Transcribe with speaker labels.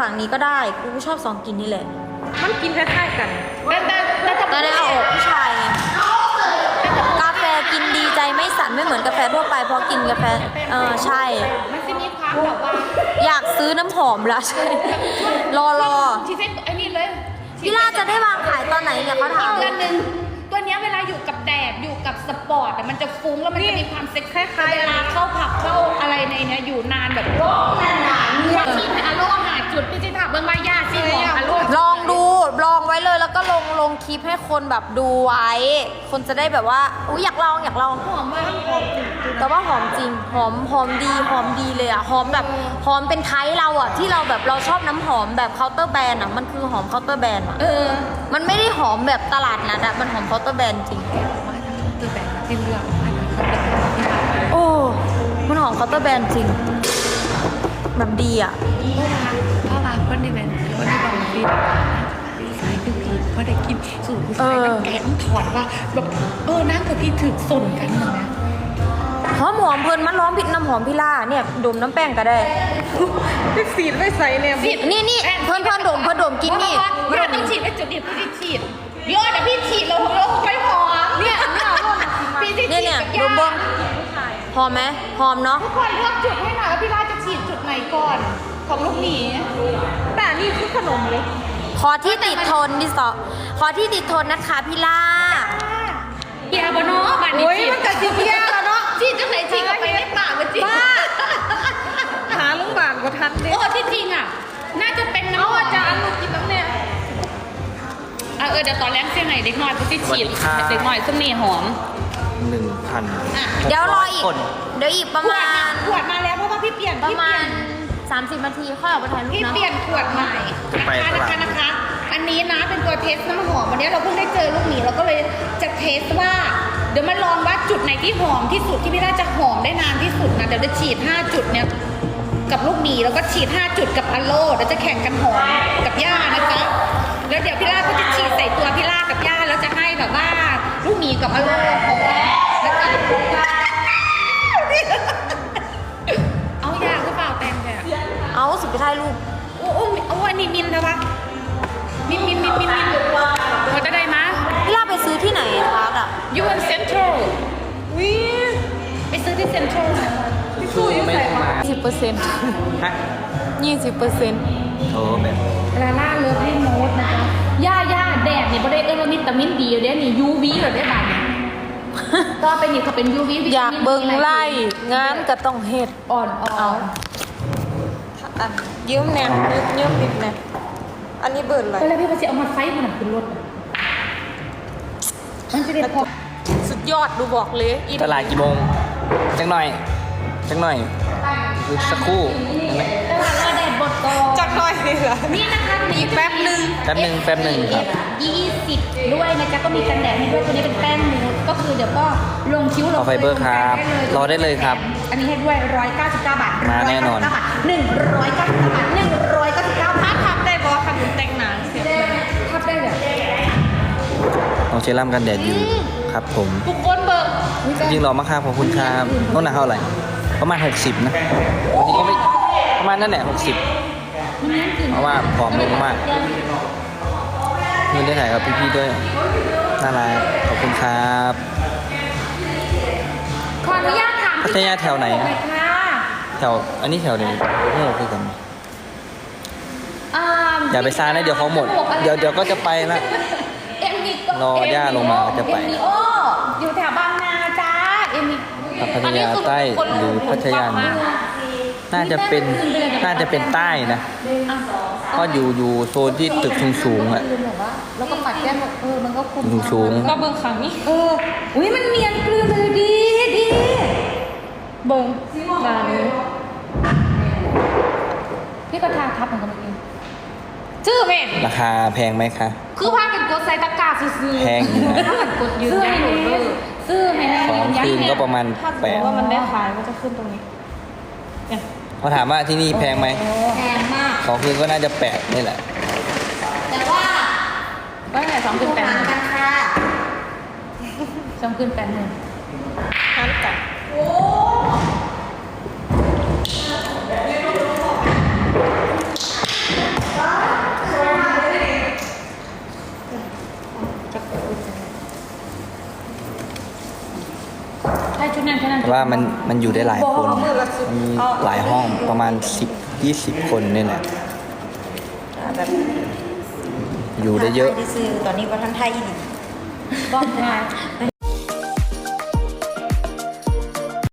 Speaker 1: ฝั่งนี้ก็ได้กูชอบ2กลิ่นนี่แหละ
Speaker 2: มันกินคล้ายๆกัน
Speaker 1: แต่ได้เอาออกผู้ชายไงกาแฟกินดีใจไม่สั่นไม่เหมือนกาแฟทั่วไปเพราะกินกาแฟใช่
Speaker 2: มันจะมีความแบบว่า
Speaker 1: อยากซื้อน้ำหอมละใช่รอ
Speaker 2: ชีเซ็ตไอ้นี่เลย
Speaker 1: พี่ล่าจะได้วางขายตอนไหนเนี่ยเขาถาม
Speaker 2: ตัวนึงตัวนี้เวลาอยู่กับแดดอยู่กับสปอร์ตมันจะฟุ้งแล้วมันจะมีความเซ็กซ์คล้ายๆเวลาเข้าผับเข้าอะไรในเนี้ยอยู่นานแบบนานที่อารมณ์หาจุดพี่จิถามเบื้องใบหญ้าซีของอารมณ์
Speaker 1: ลองดูลองไว้เลยแล้วก็ลงคลิปให้คนแบบดูไว้คนจะได้แบบว่าอุ๊ยอยากลอง
Speaker 2: หอมมาก
Speaker 1: แต่ว่าหอมจริงหอมดีเลยอ่ะหอมแบบหอมเป็นไทยเราอ่ะที่เราแบบเราชอบน้ำหอมแบบเคาน์เตอร์แบรนด์อ่ะมันคือหอมเคาน์เตอร์แบรนด์อ่ะมันไม่ได้หอมแบบตลาดนัดอ่ะมันหอมเคาน์เตอร์แบรนด์จริง
Speaker 2: ตัวแบรนด์ที่เลือก
Speaker 1: โอ้มันหอมเคาน์เตอร์แบรนด์จริงแบบดีอ่ะ
Speaker 2: พ่อมาคนที่เป็นคนที่บอกพี่สายคือพี่เพราะได้กินสูตรผู้ชายน้ำแกงถอดว่าแบบนั่งกับพี่ถึกส่นกันนะ
Speaker 1: หอมเพลินมันร้องผิดน้ำหอมพี่ล่าเนี่ยดมน้ำแป้งก็ได้
Speaker 2: ไม่สีดไม่ใส่เนี่ย
Speaker 1: นี่เพิ่นดมกินนี่
Speaker 2: ไม่ต้องฉีดไอ้จุดเดียวพี่ฉีดเยอะแต่พี่ฉีดเราไม่พอเนี่ยพี่ฉีด
Speaker 1: เนี่ยดมบ้งหอมไหมหอมเนาะ
Speaker 2: ทุกคนเลือกจุดให้หน่อยว่าพี่ล่าจะฉีดจุดไหนก่อนของลูกหมีแต่นี่คือขนมเลย
Speaker 1: ขอที่ติดทนที่สองขอที่ติดทนนะคะพี่ล่า
Speaker 2: เกียร์บเนาะบัตรนี้ฉีดมันกับเกียร์แล้วเนาะฉีดจังไหนฉีดกับไปในปากมันฉีดหาลุงบานก็ทันเลยที่จริงอ่ะน่าจะเป็นน้ำอาจารย์ลูกกินน้ำเนี่ยเดี๋ยวตอนแรกเสียงไหนเด็กน้อยพี่ฉีดเด็กน้อยซึ่งนี่หอม
Speaker 1: 1,000เดี๋ยวรออีกเดี๋ยวอีกประมาณ
Speaker 2: ขวดมาแล้วเพราะว่าพี่เปลี่ยน
Speaker 1: ประมาณ30 นาทีค่อยออกไปถ่ายรูปนะ
Speaker 2: พี่เปลี่ยนขวดใหม่นะคะอันนี้นะเป็นตัวเทสน้ำหอมวันนี้เราเพิ่งได้เจอลูกหมีเราก็เลยจะเทสว่าเดี๋ยวมาลองว่าจุดไหนที่หอมที่สุดที่พี่น่าจะหอมได้นานที่สุดนะเดี๋ยวจะฉีด5จุดเนี่ยกับลูกหมีแล้วก็ฉีด5จุดกับอโลเดี๋ยวจะแข่งกันหอมกับย่านะจ๊ะแล้วเดี๋ยวพี่ล่าก็จะฉีดใส่ตัวพี่ล่ากับย่าแล้วจะให้แบบว่าลูกหมีกับอโลหอมแล้วก็เอายาก็เปล่าแตงเนี่ย
Speaker 1: เอาสิไปถ่ายรูป
Speaker 2: โอ้อันนี้มินนะวะมินพอจะได้มั้ย
Speaker 1: พี่ล่าไปซื้อที่ไหนคะอ่ะ
Speaker 2: ยูนเซ็นทรัลวิไปซื้อที่เซ็นทรัลพี่สู้อยู่ไหน
Speaker 1: 10%ฮะ20%
Speaker 2: โอ้แบบลาล่าเลิฟลี่โน้ตนะคะย่าแดดนี่บ่ได้วิตามินดีเด้นี่ UV เหรอได้บ้างก็เป็นนี่เขาเป็น UV
Speaker 1: อยากเบิ่งไล่งานก็ต้องเฮ็ด
Speaker 2: อ่อน
Speaker 1: ยืมแน่ยืมบิดแน่อันนี้เบิดอะไร
Speaker 2: ก็เลยพี่ไปเอามาไฟมันขึ้นรถมันจะได้พอ
Speaker 1: สุดยอดดูบอกเลย
Speaker 3: ตลาดกี่โมงจังหน่อยสักครู่
Speaker 2: ตลาดแดดบดก่อน
Speaker 1: จักหน่อยนี่เหรอ
Speaker 2: นี่นะคะ
Speaker 1: อีกแป๊บนึง
Speaker 3: ครับ
Speaker 2: 20ด้วยนะจ๊ะก็มีกันแดดให้ด้วยตัวนี้เป็นแป้งนูดก็คือเดี๋ยวก็ลงคิ้วลง
Speaker 3: ไฟเบอร์ครับรอได้เลยครับ
Speaker 2: อันนี้ให้ด้วย199 บาท
Speaker 3: มาแน่นอน
Speaker 2: 199 บาท199ทับได้บอค่ะคุณแต่งหนังเสียทับได้เลย
Speaker 3: ต้องเชรั่มกันแดดอยู่ครับผม
Speaker 2: ทุกคนเบิก
Speaker 3: จริงรอมากครับขอบคุณครับต้นหนักเท่าไหร่ประมาณ60นะบางทีก็ไม่ประมาณนั่นแหละ60เพราะว่าผอมลงมากมีได้ถ่ายกับพี่ๆด้วยน่ารักขอบคุณครับ
Speaker 2: ขออนุญาตถาม
Speaker 3: พัทยาแถวไหนแถวอันนี้แถวไหนโง่คือกันอย่าไปซ่านะเดี๋ยวเขาหมดเดี๋ยวก็จะไปละรอย่าลงมาจะไป
Speaker 2: อยู่แถวบางนาจ้า
Speaker 3: พัทยาใต้หรือพัทยาน่าจะเป็นใต้นะก็อยู่โซนที่ตึกสูงๆอ่ะ
Speaker 2: แล้วก็ปัดแก้มมันก็คุม
Speaker 3: สูง
Speaker 2: ก็เบิ่งขังนี่อุ้ยมันเนียนกลืนเลยดีเบิ่งมาเลยพี่ก็ทาทับเหมือนกันเมื่อกี้ชื่อแม่
Speaker 3: ราคาแพงไหมคะ
Speaker 2: คือพากันกดใส่ตะกร้าซื้อ
Speaker 3: แพงอยู่นะ
Speaker 2: ถ้ากันกดยืนยันซื้อให้แน่
Speaker 3: 2 คืนก็ประมาณ8
Speaker 1: ว่ามันได้ขายก็จะขึ้นตรงนี้
Speaker 3: เขาถามว่าที่นี่แพงไหม
Speaker 2: แพงมาก
Speaker 3: 2 คืนก็น่าจะ8นี่แหละ
Speaker 2: แต่ว่า2 คืน8กันค่ะ2 คืน8เนี่ย
Speaker 1: หันกันโอ้
Speaker 2: ช่ชุดนั้นแค่นั้น
Speaker 3: เพราะว่ามันอยู่ได้หลายคนมันมีหลายห้องประมาณ10-20 คนนี่แหละ
Speaker 1: แบบ
Speaker 3: อยู่ได้เยอะ
Speaker 1: ที่ซื้อตอนนี้ว่าท่านไทยอีก
Speaker 2: บอกได้